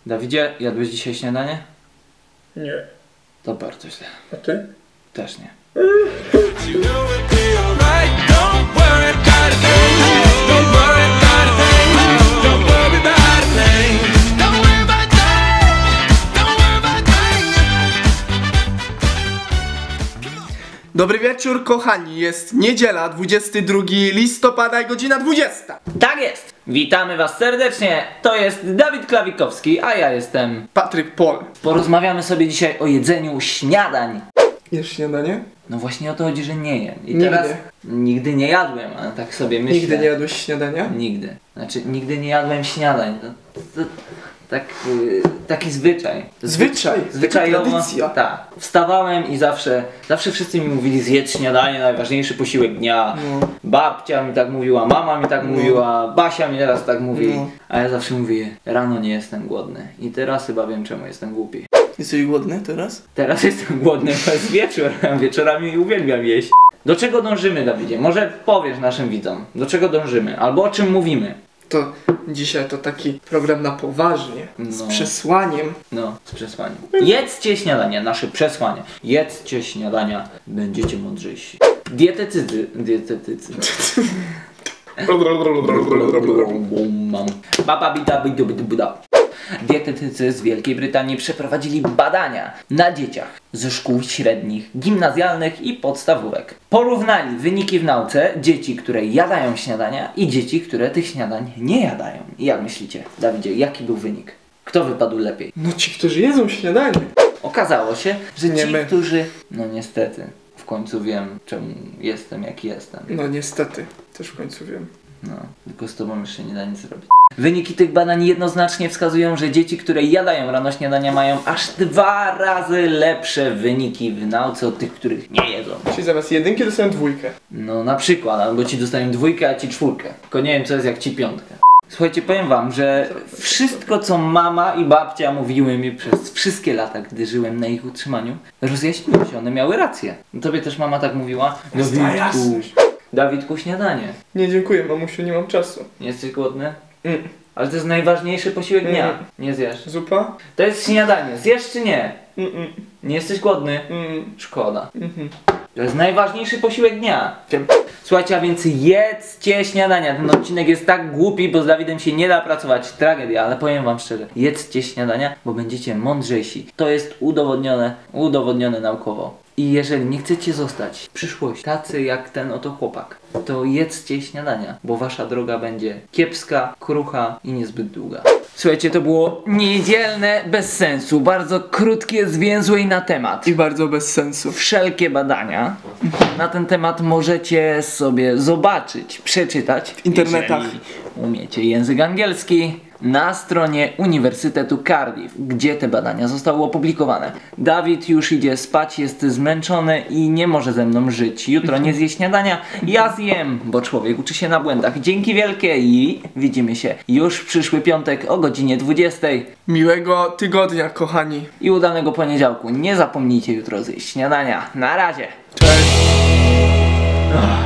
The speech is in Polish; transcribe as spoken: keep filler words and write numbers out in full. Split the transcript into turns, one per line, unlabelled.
Dawidzie, jadłeś dzisiaj śniadanie?
Nie.
To bardzo źle.
A ty?
Też nie.
Dobry wieczór, kochani. Jest niedziela, dwudziestego drugiego listopada i godzina dwudziesta.
Tak jest! Witamy was serdecznie. To jest Dawid Klawikowski, a ja jestem
Patryk Pol.
Porozmawiamy sobie dzisiaj o jedzeniu śniadań.
Jesz śniadanie?
No właśnie o to chodzi, że nie jem. I
Nigdy.
teraz nigdy nie jadłem, ale tak sobie myślę.
Nigdy nie jadłeś śniadania?
Nigdy. Znaczy nigdy nie jadłem śniadań. To, to, tak, yy, taki zwyczaj. To
Zwyczaj?
Zwyczajowo.
Taka tradycja.
Tak. Wstawałem i zawsze, zawsze wszyscy mi mówili: zjedz śniadanie, najważniejszy posiłek dnia.
No.
Babcia mi tak mówiła, mama mi tak
No.
mówiła, Basia mi teraz tak mówi.
No.
A ja zawsze mówię: rano nie jestem głodny. I teraz chyba wiem, czemu jestem głupi.
Jesteś głodny teraz?
Teraz jestem głodny, bo jest wieczór. Wieczorami uwielbiam jeść. Do czego dążymy, Dawidzie? Może powiesz naszym widzom, do czego dążymy? Albo o czym mówimy?
To dzisiaj to taki program na poważnie. Z
No.
przesłaniem.
No, z przesłaniem. Jedzcie śniadania, nasze przesłanie. Jedzcie śniadania, będziecie mądrzejsi. Dietetycy, dietetycy. Mam. Baba bida bidu bidu buda. Dietetycy z Wielkiej Brytanii przeprowadzili badania na dzieciach ze szkół średnich, gimnazjalnych i podstawówek. Porównali wyniki w nauce dzieci, które jadają śniadania, i dzieci, które tych śniadań nie jadają. I jak myślicie, Dawidzie, jaki był wynik? Kto wypadł lepiej?
No ci, którzy jedzą śniadanie.
Okazało się, że
Nie
ci,
my.
którzy... No niestety, w końcu wiem, czemu jestem, jaki jestem.
No niestety, też w końcu wiem.
No, tylko z tobą jeszcze nie da nic zrobić. Wyniki tych badań jednoznacznie wskazują, że dzieci, które jadają rano śniadania, mają aż dwa razy lepsze wyniki w nauce od tych, których nie jedzą.
Czyli zamiast jedynki dostają dwójkę.
No na przykład, albo ci dostają dwójkę, a ci czwórkę. Tylko nie wiem, co jest jak ci piątkę. Słuchajcie, powiem wam, że wszystko, co mama i babcia mówiły mi przez wszystkie lata, gdy żyłem na ich utrzymaniu, rozjaśniło się, one miały rację. Tobie też mama tak mówiła? Dawidku, Dawidku, śniadanie.
Nie, dziękuję, mamusiu, nie mam czasu.
Nie jesteś głodny?
Mm.
Ale to jest najważniejszy posiłek dnia.
Mm.
Nie zjesz.
Zupa?
To jest śniadanie. Zjesz czy nie?
Mm -mm.
Nie jesteś głodny?
Mm.
Szkoda.
Mm -hmm.
To jest najważniejszy posiłek dnia.
Wiem.
Słuchajcie, a więc jedzcie śniadania. Ten odcinek jest tak głupi, bo z Dawidem się nie da pracować. Tragedia, ale powiem wam szczerze. Jedzcie śniadania, bo będziecie mądrzejsi. To jest udowodnione, udowodnione naukowo. I jeżeli nie chcecie zostać w przyszłości tacy jak ten oto chłopak, to jedzcie śniadania, bo wasza droga będzie kiepska, krucha i niezbyt długa. Słuchajcie, to było niedzielne bez sensu, bardzo krótkie, zwięzłe i na temat.
I bardzo bez sensu.
Wszelkie badania na ten temat możecie sobie zobaczyć, przeczytać
w internetach.
Jeżeli umiecie język angielski, na stronie Uniwersytetu Cardiff, gdzie te badania zostały opublikowane. Dawid już idzie spać, jest zmęczony i nie może ze mną żyć. Jutro nie zje śniadania, ja zjem, bo człowiek uczy się na błędach. Dzięki wielkie i widzimy się już w przyszły piątek o godzinie dwudziestej.
Miłego tygodnia, kochani.
I udanego poniedziałku. Nie zapomnijcie jutro zjeść śniadania. Na razie.
Cześć.